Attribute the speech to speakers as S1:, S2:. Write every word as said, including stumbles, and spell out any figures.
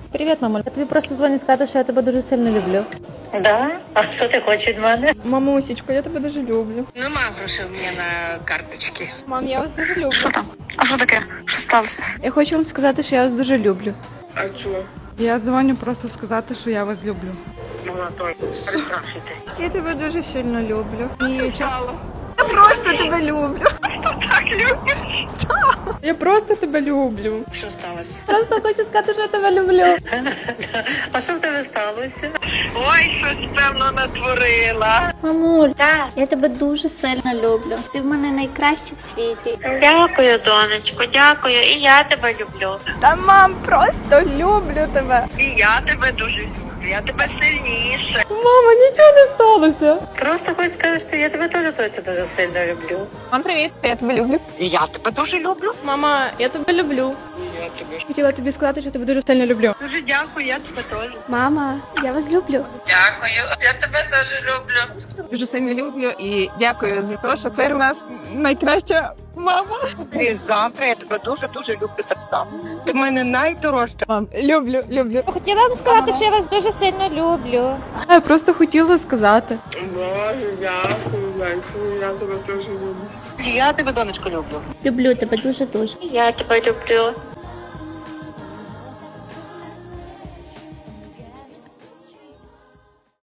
S1: Привіт, мамо. Я тобі просто дзвоню сказати, що я тебе дуже сильно люблю.
S2: Да? А що ти хочеш від мене?
S1: Мамусечко, я тебе дуже люблю.
S3: Нема грошей у мене на карточці.
S1: Мам, я вас дуже люблю.
S3: Що там? А що таке? Що сталося?
S1: Я хочу вам сказати, що я вас дуже люблю.
S3: А чого?
S4: Я дзвоню просто сказати, що я вас люблю.
S3: Молодой, переспрашуйте.
S1: Я тебе дуже сильно люблю. Ніча. Я просто тебе люблю.
S3: Так любиш?
S1: Я просто тебе люблю.
S3: Що сталося?
S1: Просто хочу сказати, що я тебе люблю.
S2: А що в тебе сталося?
S3: Ой, щось певно натворила.
S5: Мамуль, так, я тебе дуже сильно люблю. Ти в мене найкраща в світі.
S2: Дякую, донечко, дякую. І я тебе люблю.
S1: Та мам, просто люблю тебе.
S3: І я тебе дуже люблю. Я тебе сильніше.
S1: Мама, нічого не сталося.
S2: Просто хочу сказати, що я тебе теж точно дуже сильно люблю.
S1: Мам, привіт, я тебе люблю.
S3: І я тебе дуже люблю.
S1: Мама, я тебе люблю.
S3: І я тебе
S1: Хотіла тобі сказати, що тебе дуже сильно люблю.
S3: дуже дякую, я тебе теж.
S5: Мама, я вас люблю.
S3: Дякую, я тебе теж люблю.
S4: Дуже сильно люблю і дякую за те, що ти у нас найкраща мама.
S3: І завтра я тебе дуже-дуже люблю так само. Ти в мене найдорожча.
S4: Мам, люблю, люблю.
S6: Хотіла вам сказати, що я вас дуже сильно люблю.
S1: Я просто хотіла сказати.
S3: Боже, дякую, Лесю, я тебе дуже люблю.
S2: І я тебе, донечко, люблю.
S5: Люблю тебе дуже-дуже.
S2: І я тебе люблю.